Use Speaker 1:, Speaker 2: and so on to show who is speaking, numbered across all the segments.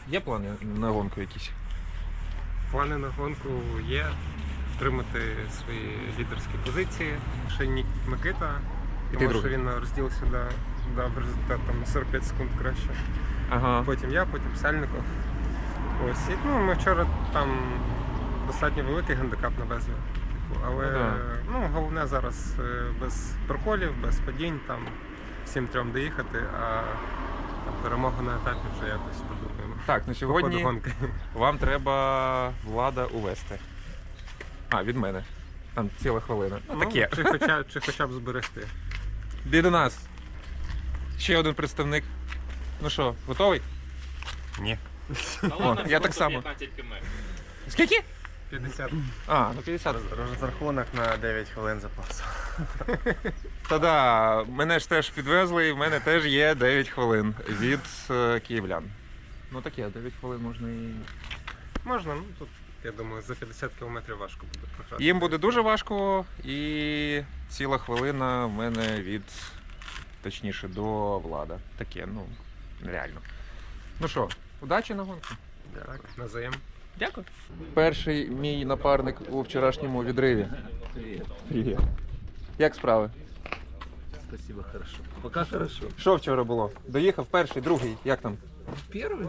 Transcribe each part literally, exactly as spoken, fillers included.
Speaker 1: Є плани на гонку якісь?
Speaker 2: Плани на гонку є. Отримати свої лідерські позиції. Ще Нік Микита, тому що
Speaker 1: другий?
Speaker 2: він на розділ сюди дав результат там, на сорок п'ять секунд краще.
Speaker 1: Ага.
Speaker 2: Потім я, потім Сальников. Ось. І, ну, ми вчора там достатньо великий гандикап навезли. Типу, але
Speaker 1: Ну, да.
Speaker 2: ну, головне зараз е, без проколів, без падінь, там всім трьом доїхати, а там, перемогу на етапі вже якось подумаємо.
Speaker 1: Так, на
Speaker 2: По
Speaker 1: сьогодні
Speaker 2: ходу гонки.
Speaker 1: вам треба Влада увести. А, від мене. Там ціла хвилина. Ну,
Speaker 2: Ну,
Speaker 1: таке.
Speaker 2: чи, хоча, чи хоча б зберегти.
Speaker 1: Іди до нас. Ще один представник. Ну що, готовий?
Speaker 2: Ні.
Speaker 1: О, я так само. Скільки?
Speaker 2: п'ятдесят.
Speaker 1: А, ну п'ятдесят.
Speaker 3: Розрахунок на дев'ять хвилин запасу.
Speaker 1: Та да, мене ж теж підвезли, і в мене теж є дев'ять хвилин від е, київлян. Ну таке, дев'ять хвилин можна і.
Speaker 2: Можна, ну тут, я думаю, за п'ятдесят кілометрів важко буде програти.
Speaker 1: Їм буде дуже важко, і ціла хвилина в мене від, точніше, до Влада. Таке, ну, реально. Ну що, удачі на гонку.
Speaker 2: Так, назаєм.
Speaker 1: Дякую. Перший мій напарник у вчорашньому відриві.
Speaker 4: Привет.
Speaker 1: Привіт. Як справи?
Speaker 4: Спасибо, хорошо. Пока хорошо.
Speaker 1: Що вчора було? Доїхав перший, другий, як там?
Speaker 4: Первый?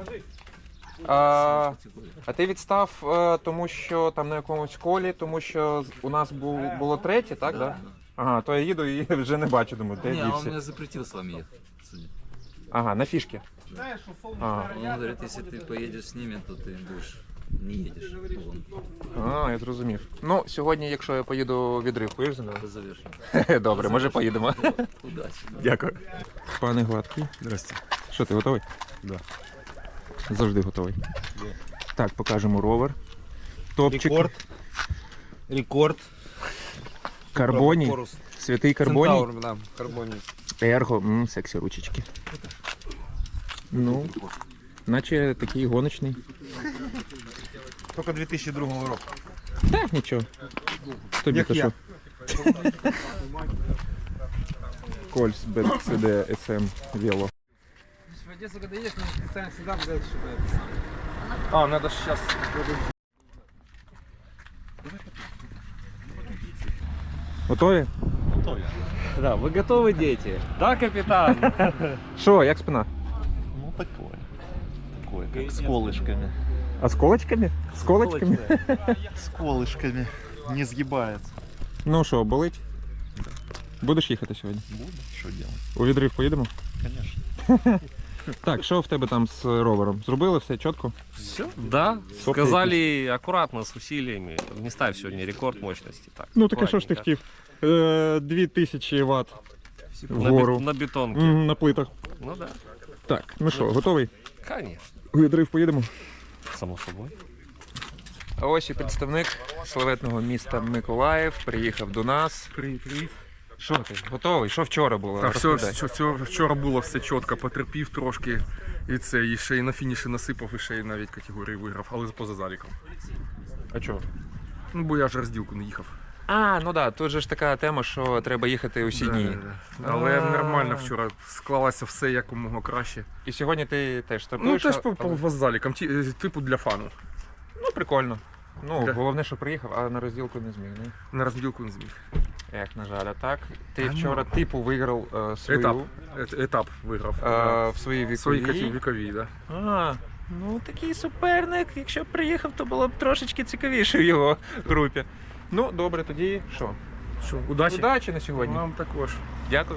Speaker 1: А, а ти відстав, е, тому що там на якомусь колі, тому що у нас бу- було третє, так? Да? Ага, то я їду і вже не бачу, думаю, де
Speaker 4: Не, он
Speaker 1: дівся.
Speaker 4: меня запретил с вами ехать. Судя.
Speaker 1: Ага, на фішки. Ага.
Speaker 4: Он говорит, если ты поедешь с ними, то ты будешь не едешь. Вон,
Speaker 1: А, я зрозумів. Ну, сьогодні, якщо я поїду у відрив, поїдеш зі мною?
Speaker 4: завершим.
Speaker 1: Добре, може поїдемо.
Speaker 4: Удачи.
Speaker 1: Дякую. Пане Гладкий.
Speaker 3: Здрасте.
Speaker 1: Що, ти готовий?
Speaker 3: Да.
Speaker 1: Завжди готовий. Так, покажемо ровер. Топчик.
Speaker 3: Рекорд. Рекорд.
Speaker 1: Карбоній.
Speaker 3: Корус.
Speaker 1: Святий карбоній.
Speaker 3: Центаур, да, карбоній.
Speaker 1: Ерго. М, сексі ручечки. Ну, наче такий гоночний.
Speaker 3: Тільки дві тисячі другого року.
Speaker 1: Так, нічого. Тобі
Speaker 3: Як
Speaker 1: то
Speaker 3: я.
Speaker 1: що? Кольс, Б Ц Д, С М, Вело.
Speaker 2: В Одессу, когда едешь, надо специально сюда взять, чтобы... А, надо сейчас...
Speaker 1: Готові?
Speaker 5: Да, вы готовы, дети? Да, капитан?
Speaker 1: Що, як спина?
Speaker 6: Ну такое. Такое, как с колышками.
Speaker 1: А з колочками? З колочками?
Speaker 6: С колышками. Не сгибается.
Speaker 1: Ну що, болить? Будеш їхати сьогодні?
Speaker 6: Буду. Что делать?
Speaker 1: У відрив поїдемо?
Speaker 6: Конечно.
Speaker 1: Так, що в тебе там з ровером? Зробили все чітко?
Speaker 5: Все? Да. Сказали аккуратно, с усилиями. Не ставь сегодня рекорд мощности. Так,
Speaker 1: Ну таке що ж ти
Speaker 5: аккуратненько.
Speaker 1: хотів? Е, Дві тисячі ватт
Speaker 5: На, бет-
Speaker 1: вгору.
Speaker 5: на бетонке.
Speaker 1: М, на плитах.
Speaker 5: Ну да,
Speaker 1: Так, ну що, готовий?
Speaker 5: конечно.
Speaker 1: У відрив поїдемо?
Speaker 5: Само собой.
Speaker 1: А ось і представник славетного міста Миколаїв приїхав до нас.
Speaker 7: Привіт, привіт.
Speaker 1: Що ти? Готовий? Що вчора було?
Speaker 7: Так, все,
Speaker 1: Розповідай.
Speaker 7: все, все, вчора було все чітко, потерпів трошки. І це, і ще й на фініші насипав, і ще й навіть категорії виграв, але поза заліком.
Speaker 1: А чого?
Speaker 7: Ну, бо я ж розділку не їхав.
Speaker 1: А, ну да, тут же ж така тема, що треба їхати усі
Speaker 7: Да,
Speaker 1: дні.
Speaker 7: да, да. Але
Speaker 1: А.
Speaker 7: нормально вчора склалося все якомога краще.
Speaker 1: І сьогодні ти теж
Speaker 7: Ну,
Speaker 1: стартуєш?
Speaker 7: теж
Speaker 1: а-
Speaker 7: по, по залікам, ті- е, типу для фану.
Speaker 1: Ну, прикольно. Ну,
Speaker 7: Да.
Speaker 1: головне, що приїхав, а на розділку не зміг, не?
Speaker 7: На розділку не зміг.
Speaker 1: Як, на жаль, а так. Ти
Speaker 7: А, ну.
Speaker 1: вчора типу виграв е, свою
Speaker 7: Етап. Ет- Етап виграв.
Speaker 1: е, в своїй віковій.
Speaker 7: Свої категорії вікові, да.
Speaker 1: А, ну такий суперник. Якщо б приїхав, то було б трошечки цікавіше в його групі. Ну, добре, тоді що?
Speaker 7: Що, удачі?
Speaker 1: Удачі на сьогодні.
Speaker 7: Вам також.
Speaker 1: Дякую.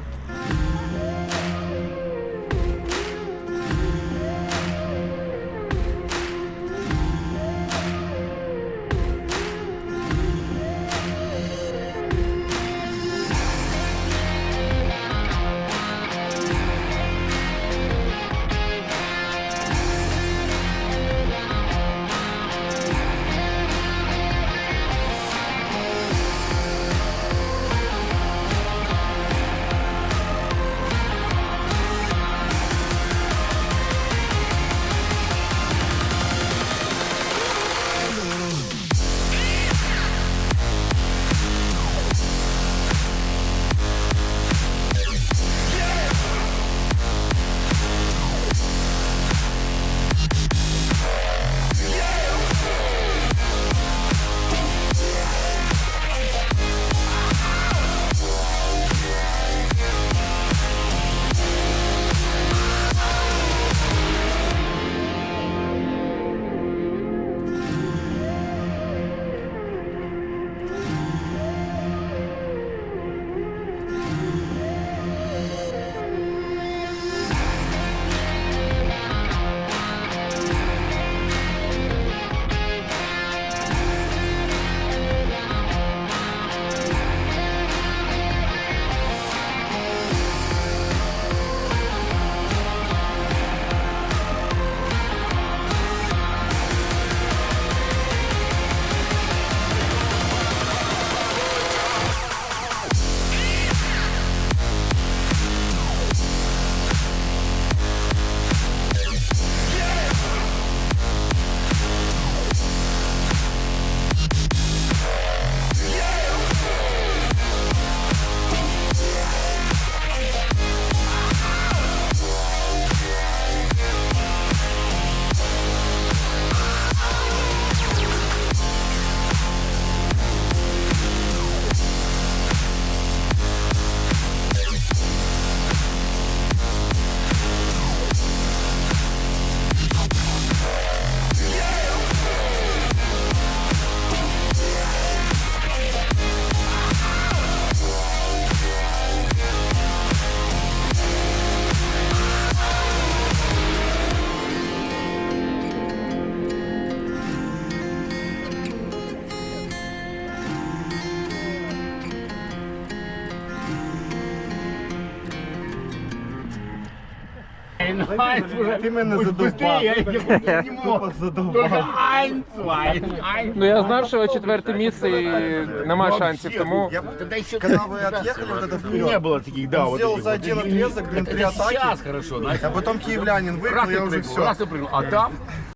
Speaker 8: Ein, eins уже.
Speaker 3: Ти мене
Speaker 8: Уж
Speaker 3: задовбав.
Speaker 8: быстрее, я не мог.
Speaker 3: Тупо задовбав.
Speaker 8: Ein, zwei, ein.
Speaker 1: Ну я знав, що четверте місце і нема шансів, тому
Speaker 3: Я
Speaker 8: Тогда еще
Speaker 3: когда вы отъехали вот это вперед,
Speaker 8: не было таких, да,
Speaker 3: он
Speaker 8: вот
Speaker 3: сделал
Speaker 8: таких
Speaker 3: за
Speaker 8: вот.
Speaker 3: один отрезок, блин, три
Speaker 8: Это
Speaker 3: атаки.
Speaker 8: сейчас хорошо, знаешь.
Speaker 3: А потом киевлянин выиграл,
Speaker 8: Раз и
Speaker 3: я уже
Speaker 8: прыгнул,
Speaker 3: все.
Speaker 8: раз и прыгнул. А там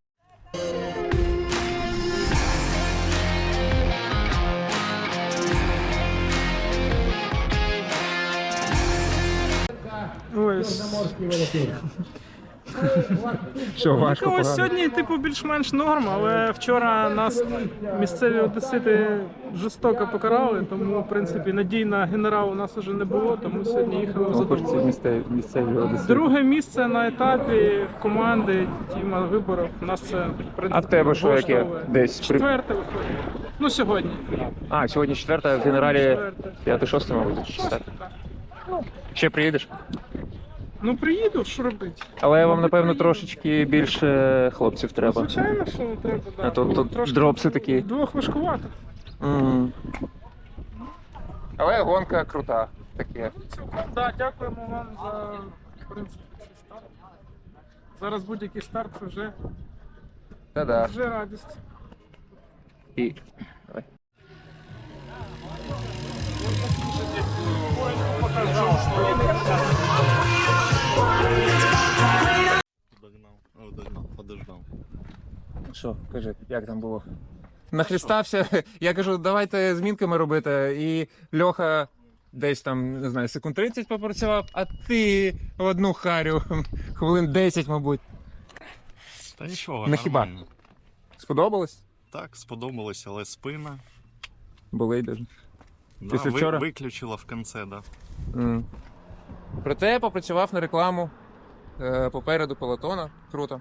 Speaker 1: що важко
Speaker 9: Ну, ось
Speaker 1: погано.
Speaker 9: сьогодні, типу, більш-менш норм, але вчора нас місцеві одесити жорстоко покарали, тому, в принципі, надій на генерал у нас вже не було, тому сьогодні їхали в задоволення.
Speaker 1: Місцеві, місцеві одесити.
Speaker 9: Друге місце на етапі команди Тіма Виборов. У нас це, в принципі,
Speaker 1: А в тебе що, яке?
Speaker 9: влаштовує.
Speaker 1: Десь при-
Speaker 9: Четверте виходить. Ну, сьогодні.
Speaker 1: А, сьогодні четверта, в генералі
Speaker 9: Четверте.
Speaker 1: п'яте-шосте, мабуть, чи четверте. Ще приїдеш?
Speaker 9: Ну, приїду, що робити?
Speaker 1: Але вам, напевно, трошечки більше хлопців треба.
Speaker 9: Звичайно, що не треба, да.
Speaker 1: А то тут
Speaker 9: Трошки
Speaker 1: дропси такі.
Speaker 9: Вдвох важкувато.
Speaker 1: Мгм. Але гонка крута. Таке.
Speaker 9: Да, дякуємо вам за, в принципі, цей старт. Зараз будь-який старт це вже,
Speaker 1: Та-да.
Speaker 9: вже радість.
Speaker 1: І... Давай.
Speaker 6: Догнал. О, догнал, подождал.
Speaker 1: Що, кажи, як там було? Нахрістався, я кажу, давайте змінками робити, і Льоха десь там, не знаю, секунд тридцять попрацював, а ти в одну харю, хвилин десять, мабуть.
Speaker 6: Та нічого,
Speaker 1: На хіба?
Speaker 6: нормально.
Speaker 1: Сподобалось?
Speaker 6: Так, сподобалось, але спина.
Speaker 1: Болить даже.
Speaker 6: Да,
Speaker 1: Після
Speaker 6: ви-
Speaker 1: вчора?
Speaker 6: Виключила в кінці, да.
Speaker 1: Mm. Проте я попрацював на рекламу е, попереду пелотона. Круто.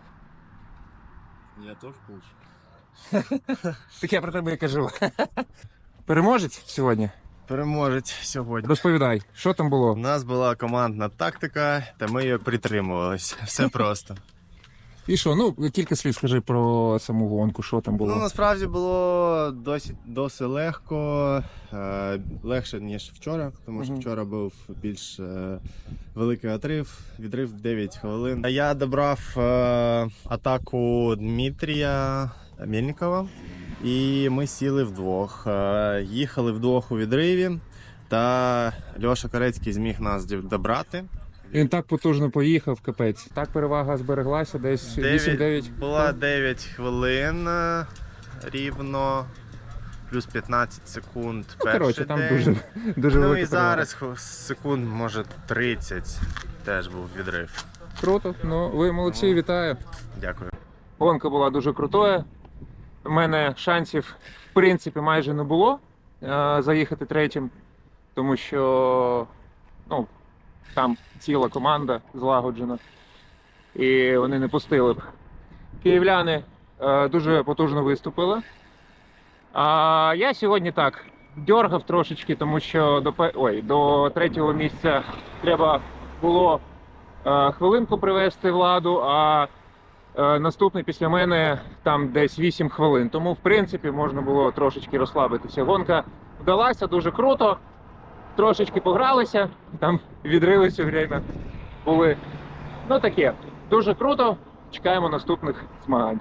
Speaker 6: Я теж получу.
Speaker 1: Так я про тебе і кажу. Переможець сьогодні?
Speaker 3: Переможець сьогодні.
Speaker 1: Розповідай, що там
Speaker 3: У
Speaker 1: було?
Speaker 3: нас була командна тактика, та ми її притримувалися. Все просто.
Speaker 1: І що, ну, кілька слів скажи про саму гонку, що там
Speaker 3: Ну,
Speaker 1: було.
Speaker 3: насправді було досить, досить легко, е, легше, ніж вчора, тому що
Speaker 1: Мгм.
Speaker 3: вчора був більш е, великий отрив, відрив дев'ять хвилин. Я добрав е, атаку Дмитрія Мельникова, і ми сіли вдвох. Е, їхали вдвох у відриві, та Льоша Корецький зміг нас дів- добрати.
Speaker 1: Він так потужно поїхав, капець. Так перевага збереглася, десь вісім-дев'ять.
Speaker 3: Була дев'ять хвилин е, рівно, плюс п'ятнадцять секунд.
Speaker 1: Ну,
Speaker 3: перший
Speaker 1: коротше, там
Speaker 3: день.
Speaker 1: дуже, дуже
Speaker 3: Ну
Speaker 1: велика
Speaker 3: і
Speaker 1: перевага.
Speaker 3: зараз хв- секунд, може, тридцять теж був відрив.
Speaker 1: Круто, ну ви молодці, вітаю.
Speaker 3: Дякую.
Speaker 1: Гонка була дуже крутою. У мене шансів, в принципі, майже не було е, заїхати третім, тому що ну, там ціла команда злагоджена, і вони не пустили б. Київляни е, дуже потужно виступили. А я сьогодні так дьоргав трошечки, тому що до, пе- ой, до третього місця треба було е, хвилинку привести Владу, а Е, Наступний після мене там десь вісім хвилин. Тому, в принципі, можна було трошечки розслабитися. Гонка вдалася дуже круто. Трошечки погралися, там відрили все время були. Ну таке, дуже круто. Чекаємо наступних змагань.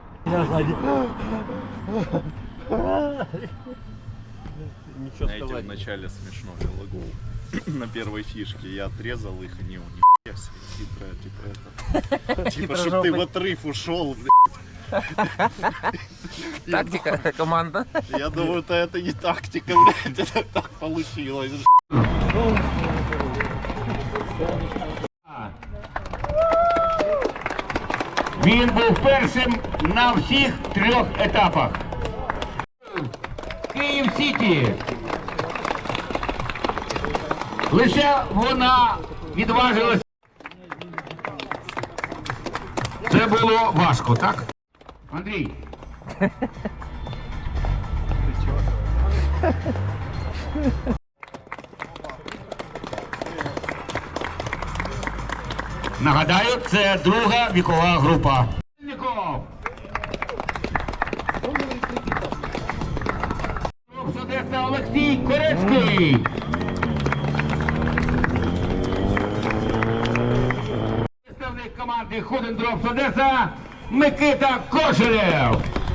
Speaker 6: Знаете, в начале смешно лагол. На первой фишке я отрезал их, они у них все хитрая, типа это. Типа, чтоб ты в отрыв ушел, блядь.
Speaker 1: Тактика, команда.
Speaker 6: Я думаю, это, это не тактика, блядь, это так получилось.
Speaker 8: він був першим на всіх трьох етапах. Київ Сіті. Лише вона відважилась. Це було важко, так? Андрій. Нагадаю, це друга вікова група. Одеса Олексій Корецький. Представник команди команди Ходендропс Одеса Микита Кошелєв.